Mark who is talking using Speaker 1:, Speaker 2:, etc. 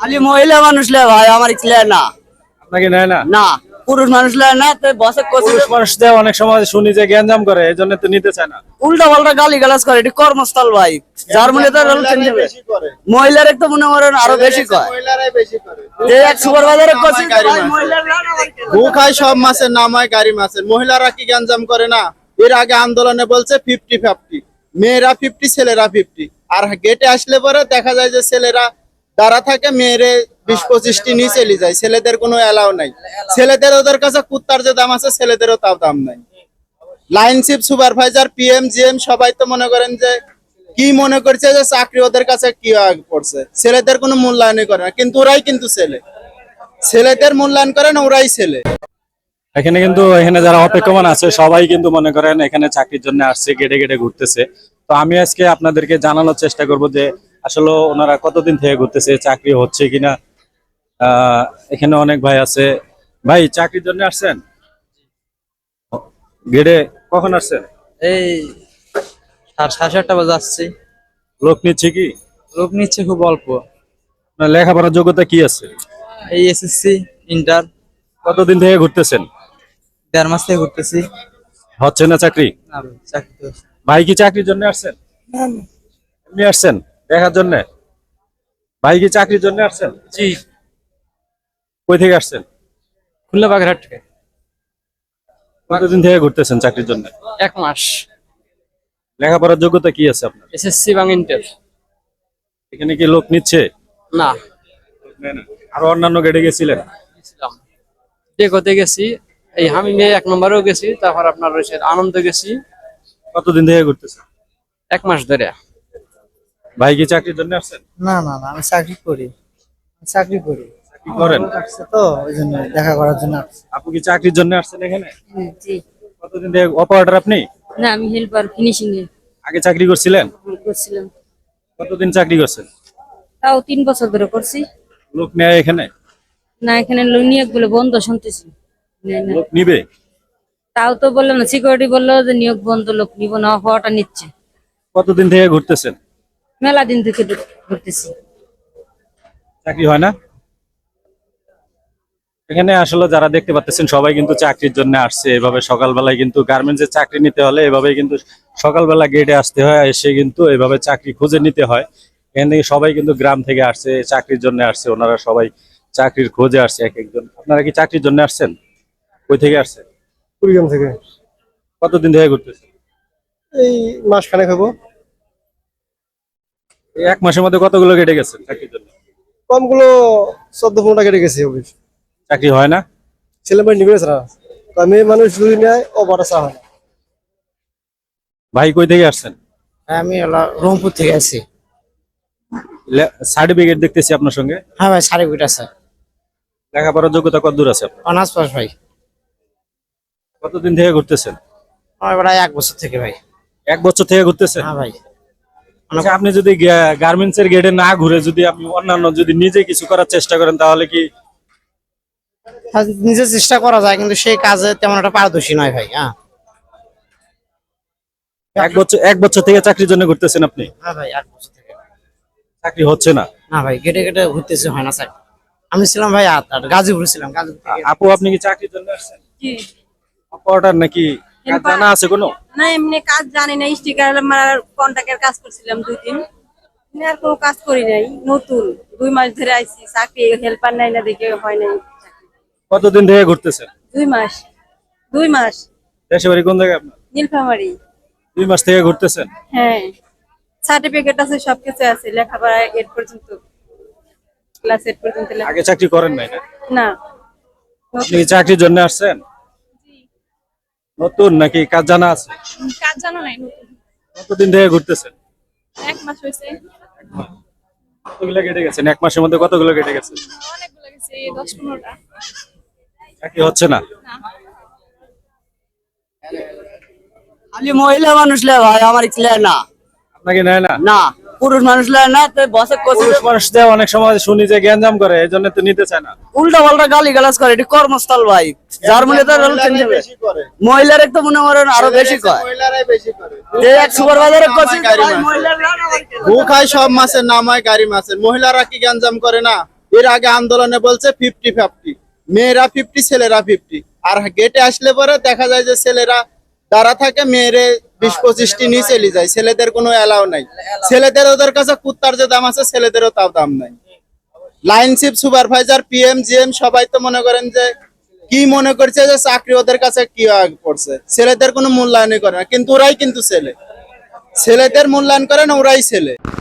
Speaker 1: খালি মহিলা মানুষ লে ভাই, আমার ছেলে না।
Speaker 2: আপনাকে নেয় না?
Speaker 1: না, পুরুষ মানুষ লে না, তো বসে
Speaker 2: পুরুষ মানুষদের অনেক সময় শুনি যে গ্যাঞ্জাম করে, এই জন্য তো নিতে চায় না।
Speaker 1: উল্টা পাল্টা গালি গালাজ করে, এটি কর্মস্থল ভাই। জার্মানি তো মহিলার একটু মনে করেন আরো বেশি কয়। যে এক সুপারভাইজারে কইছে ভাই মহিলারা
Speaker 3: গু খায় সব মাছের নাম হয় গাড়ি মাছের। মহিলারা কি গ্যাঞ্জাম করে না? এর আগে আন্দোলনে বলছে 50-50, মেয়েরা 50 ছেলেরা 50। আর গেটে আসলে পরে দেখা যায় যে ছেলেরা দাঁড়া থাকে, মেয়েরে 20-25টি নিয়ে চলে যায়। ছেলেদের কোনো এলাও নাই। ছেলেদের ওদের কাছে কুত্তার যে দাম আছে, ছেলেদেরও তাও দাম নাই। লাইনশিপ সুপারভাইজার, পিএম, জিএম সবাই তো মনে করেন যে কি মনে করছে যে চাকরি ওদের কাছে কি পড়ছে। ছেলেদের কোনো মূল্যায়নই করে না, কিন্তু ওরাই কিন্তু ছেলেদের মূল্যায়ন করে না, ওরাই ছেলে।
Speaker 2: এখানে কিন্তু এখানে যারা অপেক্ষমান আছে সবাই কিন্তু মনে করেন এখানে চাকরির জন্য আসছে, গেটে গেটে ঘুরতেছে। তো আমি আজকে আপনাদেরকে জানানোর চেষ্টা করব যে আসলে ওনারা কতদিন থেকে ঘুরতেছে, চাকরি হচ্ছে কিনা। এখানে অনেক ভাই আছে। ভাই চাকরির জন্য আসছেন? গেটে কখন আসছেন?
Speaker 4: এই 7:30 বাজে আসছি।
Speaker 2: লোক নিচ্ছে কি?
Speaker 4: লোক নিচ্ছে খুব অল্প।
Speaker 2: আপনার লেখাপড়ার যোগ্যতা কি আছে?
Speaker 4: এই এসএসসি, ইন্টার।
Speaker 2: কতদিন থেকে ঘুরতেছেন?
Speaker 4: 1.5 মাস থেকে ঘুরতেছি।
Speaker 2: হচ্ছে না চাকরি?
Speaker 4: না ভাই, চাকরি তো
Speaker 2: ভাই কি চাকরির জন্য আসছেন? এমনি আসছেন দেখার জন্য? ভাই কি চাকরির জন্য আসছেন?
Speaker 4: জি।
Speaker 2: কই থেকে আসছেন?
Speaker 4: খুলনা বাগেরহাট থেকে।
Speaker 2: কতদিন থেকে ঘুরতেছেন চাকরির জন্য?
Speaker 4: 1 মাস।
Speaker 2: লেখাপড়ার যোগ্যতা কি আছে আপনার?
Speaker 4: এসএসসি এবং ইন্টার।
Speaker 2: এখানে কি লোক নিচ্ছে?
Speaker 4: না।
Speaker 2: আরো অন্যান্য গেটে গেছিলেন?
Speaker 4: কোথাতে গেছি, এই হামিমে 1 নম্বরেও গেছি, তারপর আপনার রয়েছে আনন্দ গেছি।
Speaker 2: কতদিন থেকে ঘুরতেছেন?
Speaker 4: 1 মাস ধরে।
Speaker 2: ভাই কি চাকরির জন্য আসছেন?
Speaker 5: না না না, আমি চাকরি করি। চাকরি করি
Speaker 2: কি করেন?
Speaker 5: আসছে তো ওই জন্য দেখা করার জন্য আসছে।
Speaker 2: আপনি কি চাকরির জন্য আসছেন এখানে?
Speaker 6: জি।
Speaker 2: কতদিন থেকে অপারেটর আপনি?
Speaker 6: না, আমি হেল্পার ফিনিশিং এ
Speaker 2: আগে চাকরি করছিলেন?
Speaker 6: করছিলাম।
Speaker 2: কতদিন চাকরি করছেন?
Speaker 6: তাও 3 বছর ধরে করছি।
Speaker 2: লোক নেয় এখানে?
Speaker 6: না, এখানে নিয়োগ গুলো বন্ধ শুনতেছি। নেয় না।
Speaker 2: লোক নিবে?
Speaker 6: তাও তো বললো না, সিকিউরিটি বললো যে নিয়োগ বন্ধ, লোক নিব না, হওয়াটা নিচ্ছে।
Speaker 2: কতদিন থেকে ঘুরতেছেন?
Speaker 6: মেলা দিন থেকে ঘুরতেছি।
Speaker 2: চাকরি হয় না? এখানে আসলে যারা দেখতে পাচ্ছেন সবাই কিন্তু চাকরির জন্য আসছে। এভাবে সকালবেলায় কিন্তু গার্মেন্টসে চাকরি নিতে হলে এভাবে কিন্তু সকালবেলা গেটে আসতে হয়, এসে কিন্তু এভাবে চাকরি খুঁজে নিতে হয়। এখান থেকে সবাই কিন্তু গ্রাম থেকে আসছে, চাকরির জন্য আসছে। ওনারা সবাই চাকরির খোঁজে আসছে এক একজন। আপনারা কি চাকরির জন্য আসছেন? কই থেকে আসছেন?
Speaker 5: কুড়িগ্রাম থেকে।
Speaker 2: কতদিন থেকে ঘুরতেছেন?
Speaker 5: এই মাস খানেক হবো।
Speaker 2: এই 1 মাসের মধ্যে কতগুলো গেটে গেছেন চাকরির জন্য?
Speaker 5: কমগুলো 14-15টা কেটে গেছি। অফিস
Speaker 2: চাকরি হয় না?
Speaker 5: ছেলে মেয়ে নিবে না, মেয়ে মানুষ যদি নেয় ও বড় চা হয় না।
Speaker 2: ভাই কই থেকে আসছেন?
Speaker 5: আমি রংপুর থেকে আছি।
Speaker 2: সার্টিফিকেট দেখতেছি আপনার সঙ্গে।
Speaker 5: হ্যাঁ ভাই, সার্টিফিকেট আছে।
Speaker 2: লেখাপড়ার যোগ্যতা কত দূর আছে আপনার?
Speaker 5: অনার্স পাস ভাই।
Speaker 2: কতদিন থেকে ঘুরতেছেন?
Speaker 5: আমার প্রায় 1 বছর থেকে ভাই।
Speaker 2: 1 বছর থেকে ঘুরতেছেন?
Speaker 5: হ্যাঁ ভাই।
Speaker 2: আচ্ছা, আপনি যদি গার্মেন্টস এর গেটে না ঘুরে যদি আপনি অন্যান্য যদি নিজে কিছু করার চেষ্টা করেন তাহলে কি?
Speaker 5: নিজে চেষ্টা করা যায়, কিন্তু সেই কাজে তেমন একটা পারদর্শী নয় ভাই। হ্যাঁ,
Speaker 2: 1 বছর থেকে চাকরির জন্য ঘুরতেছেন আপনি?
Speaker 5: হ্যাঁ ভাই, 1 বছর থেকে।
Speaker 2: চাকরি হচ্ছে না?
Speaker 5: না ভাই, গেটে গেটে ঘুরতেছে, হয় না স্যার। আমি ছিলাম ভাই গাজীপুর ছিলাম। গাজীপুর থেকে
Speaker 2: আপু আপনি কি চাকরির জন্য আসছেন?
Speaker 6: জি।
Speaker 2: অপারেটর নাকি? কাজ জানা আছে কোনো?
Speaker 6: না, এমনি কাজ জানি না, স্টিকার মারার কন্ট্রাক্টের কাজ করছিলাম 2 দিন। আর কোনো কাজ করি নাই, নতুন 2 মাস ধরে আইছি। চাকরি হেল্পার নাই না, দেখে হয় নাই।
Speaker 2: কতদিন থেকে ঘুরতেছেন?
Speaker 6: 2 মাস। 2 মাস।
Speaker 2: দেশে বাড়ি কোন জায়গায় আপনার?
Speaker 6: নীলফামারী।
Speaker 2: 2 মাস থেকে ঘুরতেছেন?
Speaker 6: হ্যাঁ, সার্টিফিকেট আছে, সবকিছু আছে, লেখাপড়া 8 পর্যন্ত, ক্লাস 8 পর্যন্ত লেখা।
Speaker 2: আগে চাকরি করেন নাই না?
Speaker 6: না।
Speaker 2: আপনি কি চাকরির জন্য আসছেন? নতুন নাকি কাজ জানা আছে?
Speaker 6: কাজ জানো নাই, নতুন।
Speaker 2: কতদিন থেকে ঘুরতেছেন?
Speaker 6: 1 মাস হয়েছে।
Speaker 2: কতগুলো কেটে গেছেন 1 মাসের মধ্যে? কতগুলো কেটে গেছেন?
Speaker 6: অনেকগুলো গেছে, 10-15টা।
Speaker 2: চাকরি হচ্ছে না?
Speaker 1: খালি মহিলা মানুষ লে ভাই, আমার ছেলে না।
Speaker 2: আপনাকে নেয় না?
Speaker 1: না, পুরুষ মানুষ লে না, তো বসে
Speaker 2: পুরুষ মানুষদের অনেক সময় শুনি যে গ্যাঞ্জাম করে, এই জন্য তো নিতে চায় না।
Speaker 1: উল্টা পাল্টা গালি গালাজ করে, এটি কর্মস্থল ভাই। জার্মানি তো মহিলার একটু মনে করেন আরো বেশি কয়।
Speaker 3: মহিলারাই বেশি করে।
Speaker 1: যে এক সুপারভাইজারে কইছে
Speaker 3: গাড়ি
Speaker 1: ভাই
Speaker 3: মাছ।
Speaker 1: মহিলারা
Speaker 3: গু খায় সব মাছের নাম হয় গাড়ি মাছের। মহিলারা কি গ্যাঞ্জাম করে না? এর আগে আন্দোলনে বলছে 50-50, মেয়েরা 50 ছেলেরা 50। আর গেটে আসলে পরে দেখা যায় যে ছেলেরা দাঁড়া থাকে, মেয়েরে 20-25টি নিয়ে চলে যায়, ছেলেদের কোনো এলাও নাই। ছেলেদের ওদের কাছে কুত্তার যে দাম আছে ছেলেদেরও তাও দাম নাই। লাইনশিপ সুপারভাইজার পিএম জিএম সবাই তো মনে করেন যে কি মনে করছে যে চাকরি ওদের কাছে কি পড়ছে, ছেলেদের কোনো মূল্যায়নই করে না, কিন্তু ওরাই কিন্তু ছেলেদের মূল্যায়ন করে না, ওরাই ছেলে।